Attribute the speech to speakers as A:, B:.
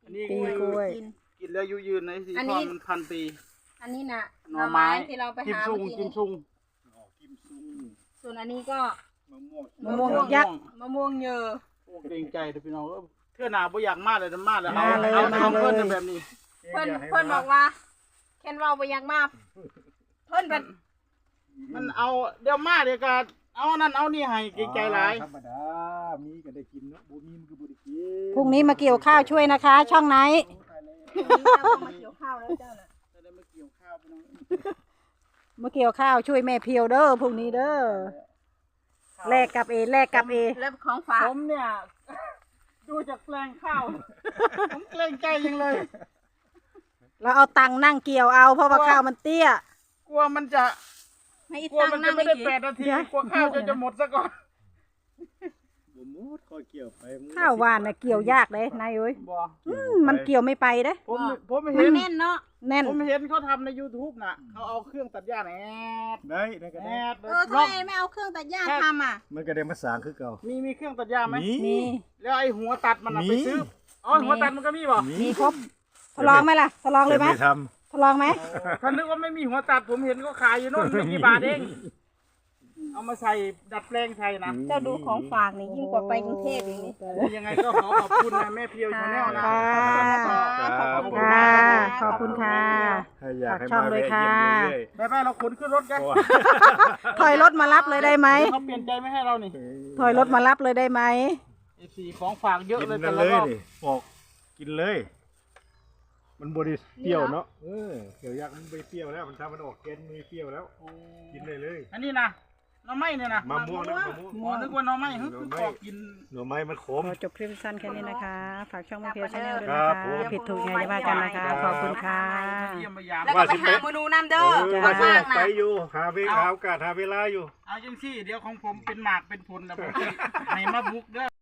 A: อันนี้
B: ปีกล้วย
A: กินแล้วอายุยืนในสีทองมัน1,000 ปี
C: อันนี้น่ะ
A: หน่อไม้
C: ที่เราไป
A: กิม
C: หา
A: ซุง
C: เมื่อ
A: กิ
C: กี้
A: มซุง
C: ส่วนอันนี้ก็
B: มะม่วงยักษ์
C: มะม่วงเยอะ
A: โอ้เกรงใจพี่น้องเทื่อหนาบ่อยากมาเลยมาเลย
B: มาเลย
A: เอา
B: มา
A: เอา
B: เลย
A: เพิ่นแบบนี้
C: เพิ่นบอกว่าแคนเราไปอยากมาเพิ่นเป็น
A: มันเอาเดี๋ยวมาเดี๋ยวก็เอานั่นเอานี่ให้เกรงใจหลาย
D: ธรรมดามีก็ได้กินเนาะบ่มีมันก็บ่ได้กิน
B: พรุ่งนี้มาเกี่ยวข้าวช่วยนะคะ ช่องไหน
C: เจ้าก็มาเกี่ยวข้าวแล้วเจ้าน่ะ
A: จะได้มาเกี่ยวข้าวพี่น้อง
B: มาเกี่ยวข้าวช่วยแม่เพียวเด้อพรุ่งนี้เด้อแลกกับเอแลกกับเอ
C: แล้วของฝาก
A: ผมเนี่ย ดูจากแปลงข้าว ผมเกรงใจยังเลย
B: เราเอาตังค์นั่งเกี่ยวเอาเพราะว่าข้าวมันเตี้ย
A: กลัวมันจะ
C: ให้อี
A: กลัว
C: ตัง
A: มัน
C: ค์
A: จะ
C: นั่ง
A: ไม่ได้
C: อีก
A: 8 นาทีกลัวข้าวจะหมดซะก่อน
D: บ่หมดคอยเกี่ยวไปมึง
B: ข้าวหวานน่ะเกี่ยวยากเลยนายเอ้ย
A: บ่
B: มันเกี่ยวไม่ไปเด้
A: ผม
C: มั
A: เห็
C: น
A: น
C: แน่นเนาะ
B: แน่น
A: ผมเห็นเขาทำใน YouTube น่ะเขาเอาเครื่องตัดหญ้าแอด
D: ได้ก็
A: แอ
D: ได้
A: ด
C: ทำไมไม่เอาเครื่องตัดหญ้าทำอ่ะ
D: มันก็ได้มาสร้างคือเก่า
A: มีเครื่องตัดหญ้าไหม
B: มี
A: แล้วไอ้หัวตัดมันน่ะ
D: มี
A: ไปซื้ออ๋อหัวตัดมันก็มีบ่
B: มีครบทดลองไหมล่ะทดลองเลยไหม
D: แต่ท
B: ทดลองไหม
A: ถ้านึกว่าไม่มีหัวตัดผมเห็นก็ขายอยู่โน่นไม่กี่บาทเองเอามาใส่ดัดแปลงใส่นะ
C: เจ้าดูของฝากนี่ยิ่งกว่าไปกรุงเทพอีกนี่
A: ยังไงก็ขอขอบคุณนะแม่เพียวชาแนลนะ
B: ค่ะ
C: ขอบคุณ
B: ค่ะ
C: ค่ะ
B: ขอบคุณค่ะ
D: ให้อยากให้
B: ฝากช่อง
D: มา
B: ด้วย
D: แวะเยี่ยม
B: ค่ะ
D: เรื่อย
A: ไปเราขนขึ้นรถกัน
D: ๆเพราะว่า
B: ถอยรถมารับเลยได้ไหม
A: เขาเปลี่ยนใจไม่ให้เรานี่
B: ถอยรถมารับเลยได้ไหม
A: ไอ้สีของฝากเยอะ
D: กิน
A: เลย
D: นั่
A: แต่
D: น
A: ละ
D: เลย
A: รอบ
D: ดิปอกกินเลย มันบริเปรี้ยวเนาะเกี่ยวยักษ์มันไม่เปรี้ยวแล้วมันทำมันออกเกนไม่เปรี้ยวแล้ว กินเลยเลย
A: อันนี้นะหน่อไม้เนี่ยนะ
D: มะม่วงนะมะม่วง
A: หมอนึกว่าหน่อไม้ฮึคือขอกิน
D: หน่อไม้มันขม
B: ขอจบคลิปสั้นแค่นี้นะคะ ฝากช่องแม่เพียวชาแนลด้วย
D: ครั
B: นะ
D: บ
B: คะ
D: ผม
B: ผิดถูกไงจะว่ากันนะคะ ขอบคุณค่ะ
A: เยี่ยมมายาม
C: แล้วก็ไปหาเมนูน้ำเด้อ
B: จ้า
C: มาสร้าง
D: ไป
C: นะ
D: อยู่หาโอกาสหาเวลาอยู่
A: เอาจังซี่เดี๋ยวของผมเป็นหมากเป็นผลแล้วผมให้มาบุกเด้อ